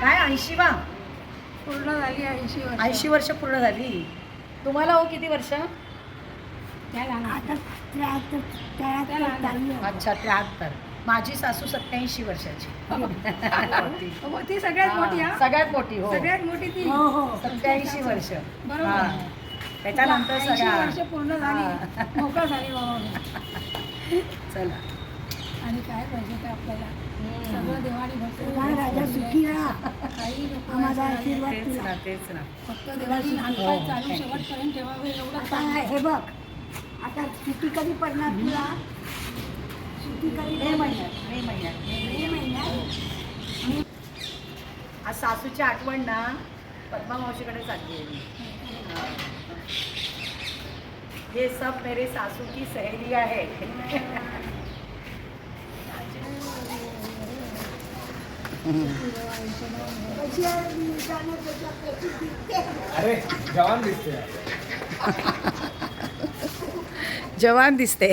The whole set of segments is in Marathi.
काय 80वा पूर्ण झाली 80 वर्ष. 80 वर्ष पूर्ण झाली. तुम्हाला हो किती वर्ष? आता 73 अच्छा 73. माझी सासू 87 वर्षाची. ती सगळ्यात मोठी. हा सगळ्यात मोठी. हो सगळ्यात मोठी ती. 87 वर्ष. बरोबर. त्याच्यानंतर 80 वर्ष पूर्ण झाली, मोकळं झाली बाबा. चला. आणि काय पाहिजे ते आपल्याला सगळं देवाने भरपूर काही लोक तेच ना. फक्त देवाची हातपाय चालू शेवटपर्यंत ठेवावे एवढं. हे बघ आता सुट्टी कधी पडणार तुला? सुट्टी कधी? मे महिन्यात. आज सासूची आठवण ना पद्मा मावशीकडे चालली आहे. ये सब मेरे सासू की सहेलियां है. अरे जवान दिसते. जवान दिसते.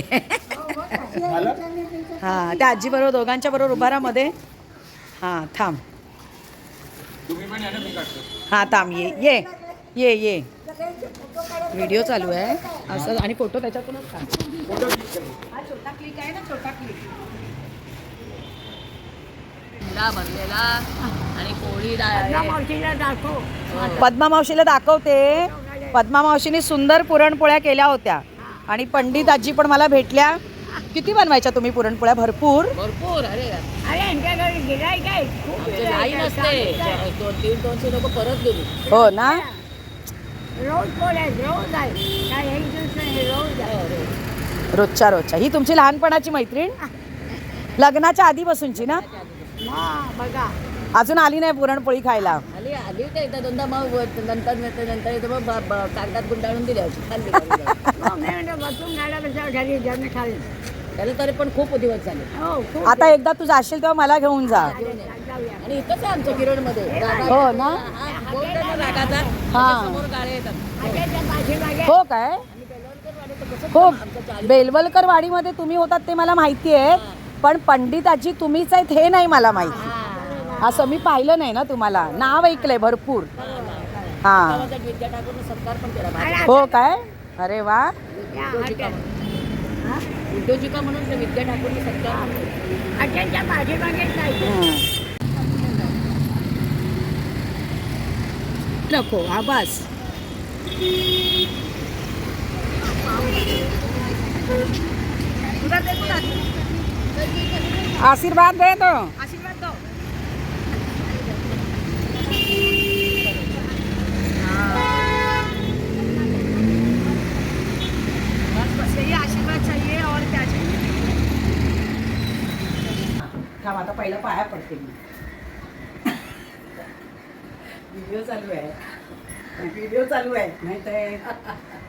हा त्या आजी बरोबर दोघांच्या बरोबर उभारा मध्ये. हा थांब. तुम्ही पण या ना, मी काढतो. हा थांब. ये व्हिडिओ चालू आहे असं आणि फोटो त्याच्यातूनच काढ. हा छोटा क्लिक आहे ना, छोटा क्लिक. भरलेला आणि पोळी पद्मा मावशीला दाखवते. पद्मा मावशीने सुंदर पुरणपोळ्या केल्या होत्या आणि पंडित आजी पण मला भेटल्या. किती बनवायच्या तुम्ही पुरणपोळ्या? भरपूर. अरे यांच्याकडे गिराई काय लाईन असते. 200 लोक परत गेली. हो ना. रोज पोळ्या रोज आहे काय एक दिवस नाही, रोज आहे. रोजच्या ही तुमची लहानपणाची मैत्रीण? लग्नाच्या आधीपासूनची ना? बघा अजून आली नाही पुरणपोळी खायला? आली होती एकदा दोनदा. मग नंतर इथं मग कागदात गुंडाळून दिल्या होती. खाल्ली बसून गाड्यापेक्षा घरी ज्याने खाल्ली. त्याला तरी पण खूप दिवस झाले. हो आता एकदा तू जाशील तेव्हा मला घेऊन जा. आणि इथंच आहे आमच्या किरणमध्ये. हो ना. हा हो काय. हो बेलवलकर वाडीमध्ये तुम्ही होतात ते मला माहिती आहे, पण पंडित आजी तुम्हीच आहेत हे नाही मला माहिती. असं मी पाहिलं नाही ना तुम्हाला. नाव ऐकलंय भरपूर. हा हो काय. अरे वा. उद्योजिका म्हणून विद्या ठाकूरने सत्कार. नको आवाज. आशीर्वाद दे तो. आशीर्वाद दो. बस यही आशीर्वाद चाहिए और क्या चाहिए. थांब आता पहिला पाया पडते मी. व्हिडिओ चालू आहे नाही तर